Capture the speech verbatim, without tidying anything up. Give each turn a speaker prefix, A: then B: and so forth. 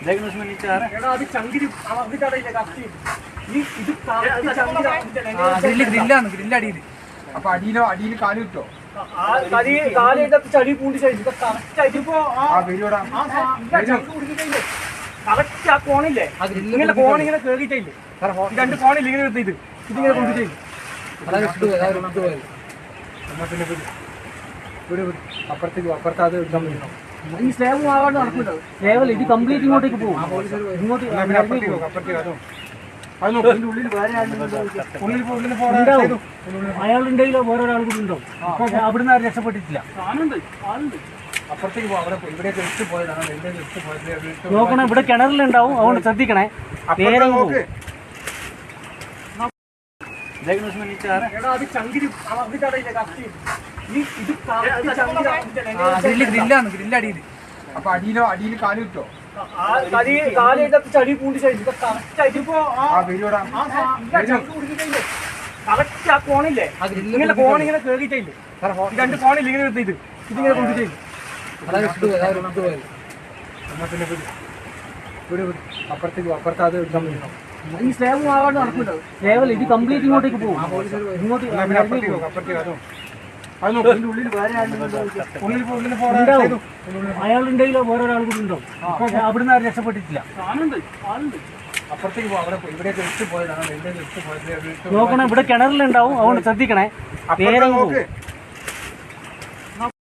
A: ഗ്രില്ലാണ് ഗ്രില്ലടിയിൽ. അപ്പൊ അടിയിലോ അടിയിൽ കാല് കിട്ടോ?
B: ചളി പൂണ്ടി കറക്റ്റ് ആ കോണില്ലേ, ഇങ്ങനെ കോണിങ്ങനെ കേറിയിട്ടില്ലേ, രണ്ട് കോണില്ല ഇങ്ങനെ നിർത്തിയിട്ട് ഇതിങ്ങനെ കൊണ്ടിട്ട്
A: അപ്പുറത്തേക്ക് അപ്പുറത്ത് അത്
B: ഈ സ്ലേബ് ആവാണ്ട് നടക്കില്ല. സ്ലേബല്ല, ഇത് കംപ്ലീറ്റ് ഇങ്ങോട്ടേക്ക് പോകും. ഇങ്ങോട്ട് അയാളുണ്ടെങ്കിലോ വേറെ ഒരാൾ കൂടി ഉണ്ടാവും. അവിടുന്ന് ആരും രക്ഷപ്പെട്ടിട്ടില്ല.
A: അപ്പുറത്തേക്ക് പോകും. അവിടെ ഇവിടെ ജസ്റ്റ് പോയതാണ്, ഇവിടെ ജസ്റ്റ് പോയത്.
B: നോക്കണം, ഇവിടെ കിണറിലുണ്ടാവും, അതുകൊണ്ട് ശ്രദ്ധിക്കണേ. നേരെ
A: ഗ്രില്ലാണ് ഗ്രില്ലടിയിൽ. അപ്പൊ അടിയിലോ അടിയിൽ കാല് കിട്ടോ?
B: ചളി പൂണ്ടി കറക്റ്റ് ആ കോണില്ലേ, ഇങ്ങനെ കോണിങ്ങനെ കേറിയിട്ടില്ലേ, രണ്ട് കോണില്ല ഇങ്ങനെ നിർത്തിയിട്ട് ഇതിങ്ങനെ കൊണ്ടിട്ട്
A: അപ്പുറത്തേക്ക് അപ്പുറത്ത് അത്
B: ഈ സ്ലേബ് ആവാണ്ട് നടക്കില്ല. സ്ലേബല്ല, ഇത് കംപ്ലീറ്റ് ഇങ്ങോട്ടേക്ക് പോകും. ഇങ്ങോട്ട് അയാളുണ്ടെങ്കിലോ വേറെ ഒരാൾ കൂടി ഉണ്ടാവും. അവിടുന്ന് ആരും രക്ഷപ്പെട്ടിട്ടില്ല.
A: അപ്പുറത്തേക്ക് പോകും. അവിടെ ഇവിടെ ജസ്റ്റ് പോയതാണ്, ഇവിടെ ജസ്റ്റ് പോയത്.
B: നോക്കണം, ഇവിടെ കിണറിലുണ്ടാവും, അതുകൊണ്ട് ശ്രദ്ധിക്കണേ. നേരെ